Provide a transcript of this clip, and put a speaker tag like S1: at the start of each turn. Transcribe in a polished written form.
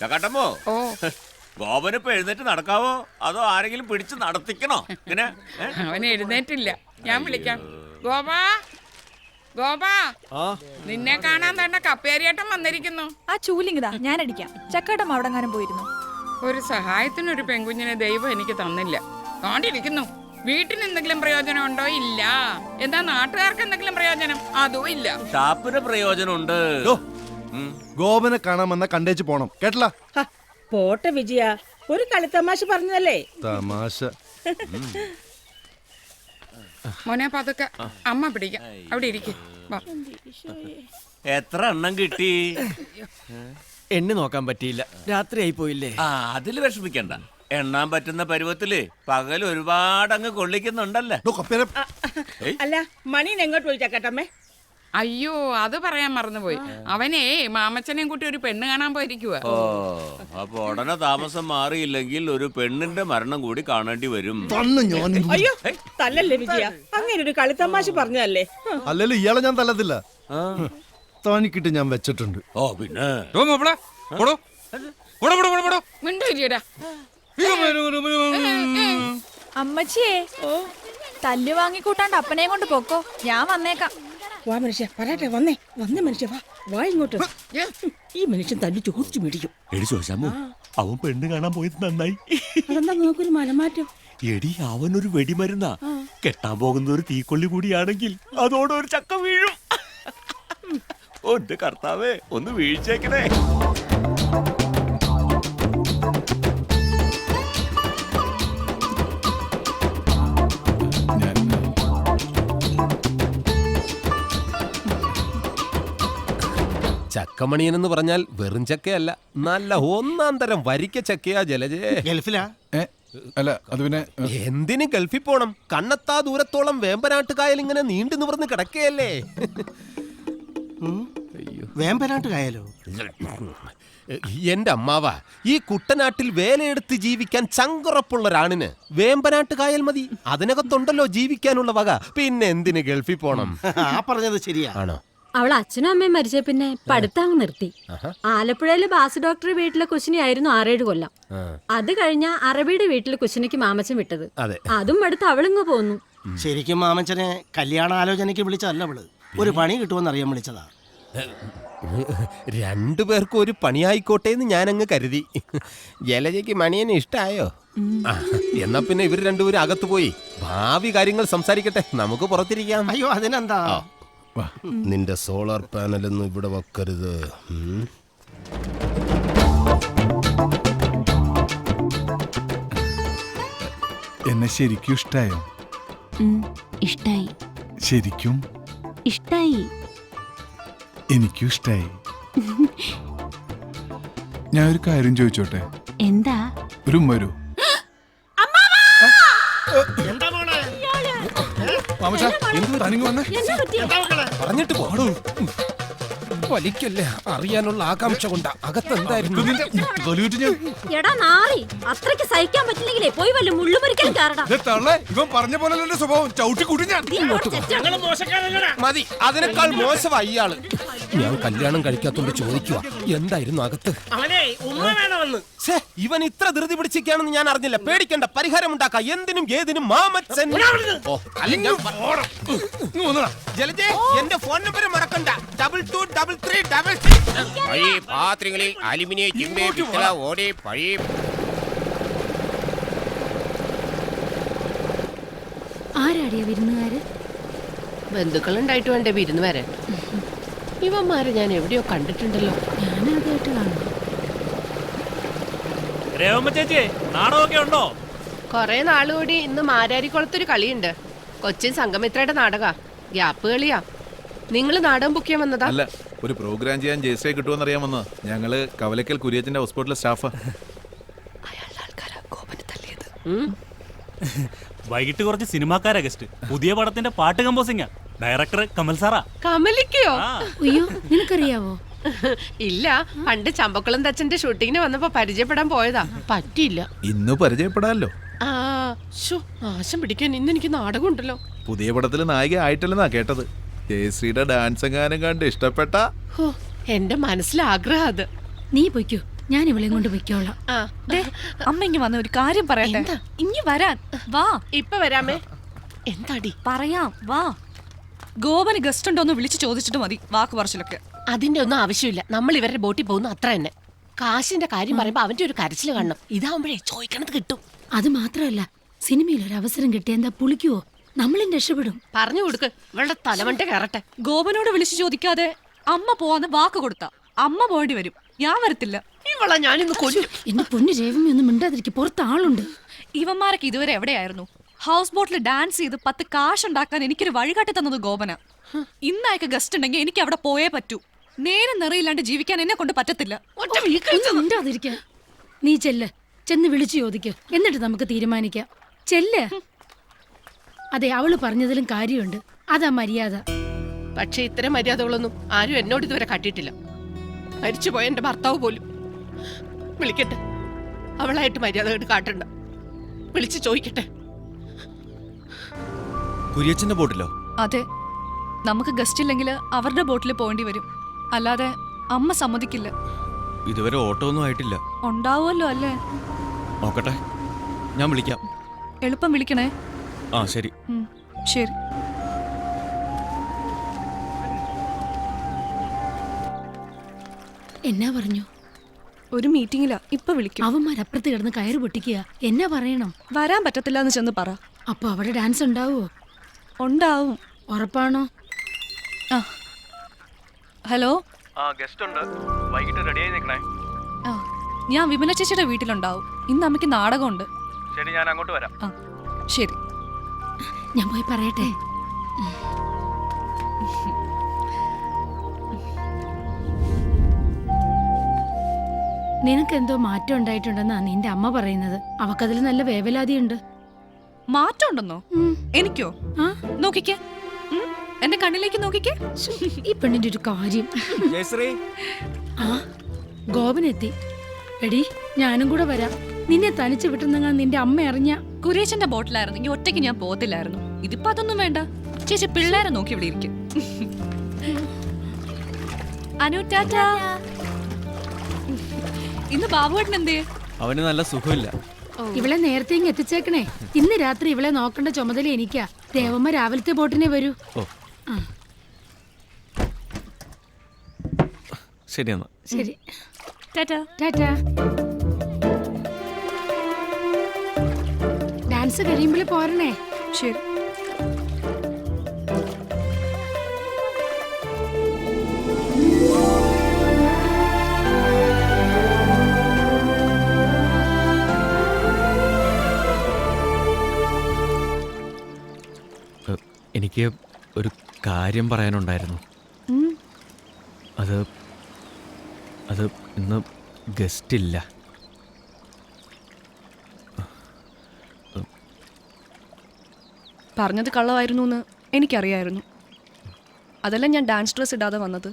S1: ചക്കാട്ടമ്മോ ഗോപനിപ്പോ എഴുന്നേറ്റ് നടക്കാവോ അതോ ആരെങ്കിലും പിടിച്ച് നടത്തിക്കണോ? ഇങ്ങനെ
S2: അവൻ എഴുന്നേറ്റില്ല, ഞാൻ വിളിക്കാം. ഗോപാ, ഗോപാ, നിന്നെ കാണാൻ തന്നെ കപ്പേരിയേട്ടൻ വന്നിരിക്കുന്നു.
S3: ആ ചൂലിങ്ങിതാ, ഞാൻ അടിക്കാം. ചക്കാട്ടം അവിടെങ്ങാനും പോയിരുന്നു.
S2: ഒരു സഹായത്തിനൊരു പെൺകുഞ്ഞിനെ ദൈവം എനിക്ക് തന്നില്ല. കാണ്ടിരിക്കുന്നു. വീട്ടിന് എന്തെങ്കിലും പ്രയോജനം ഉണ്ടോ? ഇല്ല. എന്താ നാട്ടുകാർക്ക് എന്തെങ്കിലും പ്രയോജനം? അതും ഇല്ല.
S1: ഷാപ്പിന് പ്രയോജനമുണ്ട്.
S4: ഗോപനെ കാണാമെന്ന കണ്ടേച്ച് പോണം, കേട്ടല?
S5: പോട്ടെ വിജയ, ഒരു കളിത്തമാശ പറഞ്ഞതല്ലേ.
S4: തമാശ.
S2: മോനെ പതുക്കെ, അമ്മ പിടിക്കാം. അവിടെ ഇരിക്കും.
S1: എത്ര എണ്ണം കിട്ടി?
S6: എണ്ണി നോക്കാൻ പറ്റിയില്ല, രാത്രിയായി പോയില്ലേ.
S1: അതില് വിഷമിക്കണ്ട. എണ്ണാൻ പറ്റുന്ന പരുവത്തില് പകൽ ഒരുപാട് അങ്ങ് കൊള്ളിക്കുന്നുണ്ടല്ലേ.
S5: അല്ല, മണീനെ എങ്ങോട്ട് പോയി ചക്കട്ടമ്മേ?
S2: അയ്യോ, അത് പറയാൻ മറന്നുപോയി. അവനേ മാമച്ചനെയും കൂട്ടി ഒരു പെണ്ണ് കാണാൻ പോയിരിക്കുക.
S1: ഓ, അപ്പൊ ഉടനെ താമസം മാറിയില്ലെങ്കിൽ ഒരു പെണ്ണിന്റെ മരണം കൂടി കാണേണ്ടി വരും.
S5: അയ്യോ, തല്ലല്ലേ വിജയ, അങ്ങനെ ഒരു കളിത്തമാശ പറഞ്ഞതല്ലേ.
S4: അല്ലല്ലോ ഇയാളെ ഞാൻ തല്ലത്തില്ല, തോന്നിക്കിട്ട് ഞാൻ വെച്ചിട്ടുണ്ട്.
S1: ഓ പിന്നെ
S3: അമ്മച്ചിയേ, തല്ല് വാങ്ങിക്കൂട്ടാണ്ട് അപ്പനെയും കൊണ്ട് പൊക്കോ, ഞാൻ വന്നേക്കാം.
S5: വാ മനുഷ്യ, പറയട്ടെ, വന്നേ മനുഷ്യ, വാ ഇങ്ങോട്ട്. ഈ മനുഷ്യൻ തല്ലി ചോദിച്ചു മേടിക്കും.
S1: എടി ചോദിച്ചാമോ, അവൻ പെണ്ണ് കാണാൻ പോയത് നന്നായി.
S5: അതെന്താ നോക്കൊരു മലമാറ്റം?
S1: എടി അവനൊരു വെടിമരുന്നാ. കെട്ടാൻ പോകുന്ന ഒരു തീക്കൊള്ളി കൂടിയാണെങ്കിൽ അതോടെ ഒരു ചക്ക വീഴും. ഒന്റെ കർത്താവേ, ഒന്ന് വീഴ്ചേക്കണേ.
S7: ചക്കമണിയൻ എന്ന് പറഞ്ഞാൽ വെറും ചക്കയല്ല, നല്ല ഒന്നാം തരം വരിക്ക ചക്കയാ. ജലജേ
S4: ഗൾഫിലാ? അല്ല, അത് പിന്നെ
S7: എന്തിന് ഗൾഫിൽ പോണം? കണ്ണെത്താ ദൂരത്തോളം വേമ്പനാട്ടുകായൽ ഇങ്ങനെ നീണ്ടു നിവർന്ന് കിടക്കുകയല്ലേ.
S6: വേമ്പനാട്ടുകായലോ?
S7: എന്റെ അമ്മാവ, ഈ കുട്ടനാട്ടിൽ വേലയെടുത്ത് ജീവിക്കാൻ ചങ്കുറപ്പുള്ള ഒരാണിന് വേമ്പനാട്ടുകായൽ മതി. അതിനകത്തുണ്ടല്ലോ ജീവിക്കാനുള്ള വക. പിന്നെ എന്തിന് ഗൾഫിൽ പോണം?
S6: പറഞ്ഞത് ശരിയാ.
S7: ആണോ?
S8: അവൾ അച്ഛനും അമ്മയും മരിച്ച പിന്നെ പഠിത്തം നിർത്തി. ആലപ്പുഴയിലെ ബാസ് ഡോക്ടർ വീട്ടിലെ കുശിനിയായിരുന്നു 6-7 കൊല്ലം. അത് കഴിഞ്ഞ അറബിയുടെ വീട്ടിലെ കുശിനിക്ക് മാമച്ചൻ വിട്ടത്. അതും അടുത്ത് അവളിങ്ങ് പോന്നു.
S6: ശരിക്കും മാമച്ചനെ കല്യാണ ആലോചനയ്ക്ക് വിളിച്ചതല്ല അവള്, ഒരു പണി കിട്ടുമെന്ന് അറിയാൻ വിളിച്ചതാ.
S7: രണ്ടുപേർക്കും ഒരു പണിയായിക്കോട്ടെ എന്ന് ഞാനങ്ങ് കരുതി. ജലജയ്ക്ക് മണിയനെ ഇഷ്ടായോ? എന്നാ പിന്നെ ഇവർ രണ്ടുപേരും അകത്ത് പോയി ഭാവി കാര്യങ്ങൾ സംസാരിക്കട്ടെ, നമുക്ക് പുറത്തിരിക്കാം.
S6: അയ്യോ, അതിനെന്താ.
S7: നിന്റെ സോളാർ പാനലൊന്നും ഇവിടെ വെക്കരുത്.
S9: എന്നെ ശരിക്കും ഇഷ്ടായോ?
S8: ഇഷ്ടായി.
S9: ശരിക്കും
S8: ഇഷ്ടായി.
S9: എനിക്കും ഇഷ്ടായി. ഞാൻ ഒരു കാര്യം ചോദിച്ചോട്ടെ?
S8: എന്താ?
S9: ഒരു ഉമ്മ വരൂ.
S7: പറഞ്ഞിട്ട് പോടൂ. വലിക്കല്ലേ, അറിയാനുള്ള ആകാംക്ഷ കൊണ്ടാ. അകത്തെന്തായിരുന്നു?
S8: എടാ നാറി, അത്രയ്ക്ക് സഹിക്കാൻ പറ്റില്ലെങ്കിലേ പോയി വല്ല മുള്ളുമുറിക്കലും കാരടാ.
S9: ഇവൻ പറഞ്ഞ പോലെ സ്വഭാവം ചവിട്ടി കൂട്ടി ഞാൻ.
S7: മതി, അതിനേക്കാൾ മോശമായി ഇയാള്. ഞാൻ കല്യാണം കഴിക്കാത്തോണ്ട് ചോദിക്കുക, എന്തായിരുന്നു അകത്ത്? ഇവൻ ഇത്ര ധൃതി പിടിച്ചിരിക്കുകയാണെന്ന് ഞാൻ അറിഞ്ഞില്ല. പേടിക്കണ്ട, പരിഹാരം ഉണ്ടാക്കാം. എന്തിനും ഏതിനും മാമച്ചൻ. ജലജേ, എന്റെ ഫോൺ നമ്പർ മറക്കണ്ട. 223366.
S10: പഴയ പാത്രങ്ങളിൽ അലുമിനിയം, ചിമ്മി, പിത്തള, ഓടി പഴയ.
S8: ആരാടിയ വിരുന്നുകാര്?
S11: ബന്ധുക്കളുണ്ടായിട്ട് വേണ്ടേ വിരുന്ന് വരാൻ? ഇവന്മാരെ ഞാൻ എവിടെയോ കണ്ടിട്ടുണ്ടല്ലോ.
S8: ഞാനാദ്യമായിട്ട് കാണുന്നു.
S12: ചേച്ചി, നാടകമൊക്കെ ഉണ്ടോ?
S11: കൊറേ നാളുകൂടി ഇന്ന് മാരാരിക്കുളത്തൊരു കളിയുണ്ട്. കൊച്ചിൻ സംഗമിത്രയുടെ നാടക. ഗ്യാപ്പ് കളിയാ. നിങ്ങൾ നാടകം ബുക്ക് ചെയ്യാൻ വന്നതാ?
S9: അല്ല, ഒരു പ്രോഗ്രാം ചെയ്യാൻ ജയശ്രീ കിട്ടുമെന്ന് അറിയാമെന്ന്. ഞങ്ങള് കവലക്കൽ കുര്യച്ചന്റെ ഹോസ്പിറ്റലിലെ സ്റ്റാഫാ.
S12: വൈകിട്ട് കുറച്ച് സിനിമാക്കാരാ ഗസ്റ്റ്. പുതിയ പടത്തിന്റെ പാട്ട് കമ്പോസിംഗാ. ഡയറക്ടർ കമൽ സാറാ.
S11: കമലിക്കോ?
S8: അയ്യോ, നിനക്കറിയാവോ?
S11: ഇല്ല, പണ്ട് ചമ്പക്കുളം തച്ചന്റെ ഷൂട്ടിങ്ങിന് വന്നപ്പോ പരിചയപ്പെടാൻ പോയതാ, പറ്റിയില്ല.
S9: ഇന്ന് പരിചയപ്പെടാല്ലോ.
S11: നാശം പിടിക്കാൻ ഇന്ന് എനിക്ക് നാടകം ഉണ്ടല്ലോ.
S9: പുതിയ പടത്തിൽ നായിക ആയിട്ടില്ലെന്നാ കേട്ടത്. ജയശ്രീയുടെ ഡാൻസ് എങ്ങാനും കണ്ട് ഇഷ്ടപ്പെട്ട.
S11: എന്റെ മനസ്സിലാഗ്രഹം അത്.
S8: നീ പൊയ്ക്കോ,
S5: ഞാൻ ഇവളെയും കൊണ്ട് പൊയ്ക്കോളാം.
S3: അമ്മ ഇങ്ങ് വന്ന ഒരു കാര്യം പറയട്ടെ. ഇങ്ങ് വരാൻ വാ.
S11: ഇപ്പൊ വരാമേ. എന്താടി
S3: പറയാം വാ. ഗോപന് ഗസ്റ്റ് ഉണ്ടോന്ന് വിളിച്ചു ചോദിച്ചിട്ട് മതി വാക്ക് പറച്ചിലൊക്കെ.
S11: അതിന്റെ ഒന്നും ആവശ്യമില്ല. നമ്മൾ ഇവരുടെ ബോട്ടിൽ പോകുന്നു അത്ര തന്നെ. കാശിന്റെ കാര്യം പറയുമ്പോ അവന്റെ ഒരു കരച്ചിൽ കാണണം. ഇതാവുമ്പോഴേ ചോദിക്കണത് കിട്ടും.
S5: അത് മാത്രമല്ല, സിനിമയിൽ ഒരു അവസരം കിട്ടിയ എന്താ പുളിക്കുവോ? നമ്മളും രക്ഷപ്പെടും.
S11: പറഞ്ഞു കൊടുക്ക്, ഇവളുടെ തലമണ്ട കയറട്ടെ.
S3: ഗോപനോട് വിളിച്ചു ചോദിക്കാതെ അമ്മ പോവാന്ന് വാക്ക് കൊടുത്ത അമ്മ പോകേണ്ടി വരും. ഞാൻ വരത്തില്ല.
S11: ഇവളെ ഞാനിന്ന് കൊല്ലും.
S5: എന്റെ പൊന്നു രേവമി ഒന്നും മിണ്ടാതിരിക്കും. പുറത്ത് ആളുണ്ട്.
S3: ഇവന്മാരൊക്കെ ഇതുവരെ എവിടെയായിരുന്നു? ഹൗസ് ബോട്ടിൽ ഡാൻസ് ചെയ്ത് 10 കാശ് ഉണ്ടാക്കാൻ എനിക്കൊരു വഴികാട്ടി തന്നത് ഗോപന. ഇന്നയക്ക് ഗസ്റ്റ് ഉണ്ടെങ്കിൽ എനിക്ക് അവിടെ പോയേ പറ്റൂ. നേരം നിറയില്ലാണ്ട് ജീവിക്കാൻ എന്നെ കൊണ്ട് പറ്റത്തില്ല.
S5: മിണ്ടാതിരിക്കാൻ. നീ ചെന്ന് വിളിച്ചു ചോദിക്ക്, എന്നിട്ട് നമുക്ക് തീരുമാനിക്കാം. ചെല്ല്. അതെ, അവള് പറഞ്ഞതിലും കാര്യമുണ്ട്. അതാ മര്യാദ.
S11: പക്ഷെ ഇത്തരം മര്യാദകളൊന്നും ആരും എന്നോട് ഇതുവരെ കാട്ടിയിട്ടില്ല. മരിച്ചുപോയ എന്റെ ഭർത്താവ് പോലും. വിളിക്കട്ടെ, അവളായിട്ട് മര്യാദ കാട്ടണ്ട. വിളിച്ചു ചോദിക്കട്ടെ.
S13: കുര്യച്ചന്റെ ബോട്ടിലോ?
S3: അതെ, നമുക്ക് ഗസ്റ്റ് ഇല്ലെങ്കിൽ അവരുടെ ബോട്ടിൽ പോകേണ്ടി വരും. അല്ലാതെ അമ്മ സമ്മതിക്കില്ല.
S13: ഇതുവരെ ഓട്ടോ ഒന്നും ആയിട്ടില്ല.
S3: ഉണ്ടാവുമല്ലോ അല്ലേ?
S13: നോക്കട്ടെ, ഞാൻ വിളിക്കാം.
S3: എളുപ്പം വിളിക്കണേ.
S13: ആ ശരി.
S3: ശരി.
S5: എന്നാ പറഞ്ഞു?
S3: ഒരു മീറ്റിംഗിലാ, ഇപ്പൊ വിളിക്കും.
S5: അവന്മാരപ്പുറത്ത് കിടന്ന് കയറ് പൊട്ടിക്കുക. എന്നാ പറയണം?
S3: വരാൻ പറ്റത്തില്ല എന്ന് ചെന്ന് പറ.
S5: അപ്പൊ അവിടെ ഡാൻസ് ഉണ്ടാവോ?
S3: ഉണ്ടാവും.
S5: ഉറപ്പാണോ?
S3: ഹലോ,
S13: ഗസ്റ്റ് ഉണ്ട്, വൈകിട്ട് റെഡിയായി നിൽക്കണേ.
S3: ഞാൻ വിമല ചേച്ചിയുടെ വീട്ടിലുണ്ടാവും. ഇന്ന് അമ്മയ്ക്ക് നാടകമുണ്ട്.
S13: ശരി, ഞാൻ അങ്ങോട്ട് വരാം.
S3: ശരി,
S5: ഞാൻ പോയി പറയട്ടെ. നിനക്കെന്തോ മാറ്റം ഉണ്ടായിട്ടുണ്ടെന്നാ നിന്റെ അമ്മ പറയുന്നത്. അവക്കതിൽ നല്ല വേവലാതിയുണ്ട്.
S3: മാറ്റം ഉണ്ടെന്നോ? എനിക്കോ? നോക്കിക്കേ, എന്റെ കണ്ണിലേക്ക് നോക്കിക്കേ.
S5: ഈ പെണ്ണിന്റെ ഒരു കാര്യം. ആ, ഗോപനെത്തി. എടി, ഞാനും കൂടെ വരാം. നിന്നെ തനിച്ച് വിട്ടുന്നെങ്ങാൻ നിന്റെ അമ്മ അറിഞ്ഞ.
S3: കുരേശന്റെ ബോട്ടിലായിരുന്നെങ്കിൽ ഒറ്റയ്ക്ക് ഞാൻ പോകത്തില്ലായിരുന്നു. ഇതിപ്പോ അതൊന്നും വേണ്ട. ചേച്ചി പിള്ളേരെ നോക്കി ഇവിടെ ഇരിക്കും. അനു ടാറ്റാ. ഇന്ന് ബാബുവേട്ടൻ എന്തേ?
S13: അവന് നല്ല സുഖമില്ല.
S5: ഇവളെ നേരത്തെ ഇങ്ങ് എത്തിച്ചേക്കണേ. ഇന്ന് രാത്രി ഇവളെ നോക്കേണ്ട ചുമതല എനിക്കാ. ദേവമ്മ രാവിലത്തെ ബോട്ടിനെ വരൂ.
S13: ശരി എന്നാ.
S5: ശരി,
S3: ടാറ്റാ.
S5: ടാറ്റാ. ഡാൻസ് കഴിയുമ്പോൾ പോരണേ.
S3: ശരി.
S13: എനിക്ക് ഒരു കാര്യം പറയാനുണ്ടായിരുന്നു. അത് ഇന്ന് ഗസ്റ്റ് ഇല്ല.
S3: പറഞ്ഞത് കള്ളമായിരുന്നു എന്ന് എനിക്കറിയായിരുന്നു. അതല്ല ഞാൻ ഡാൻസ് ഡ്രസ് ഇടാതെ വന്നത്.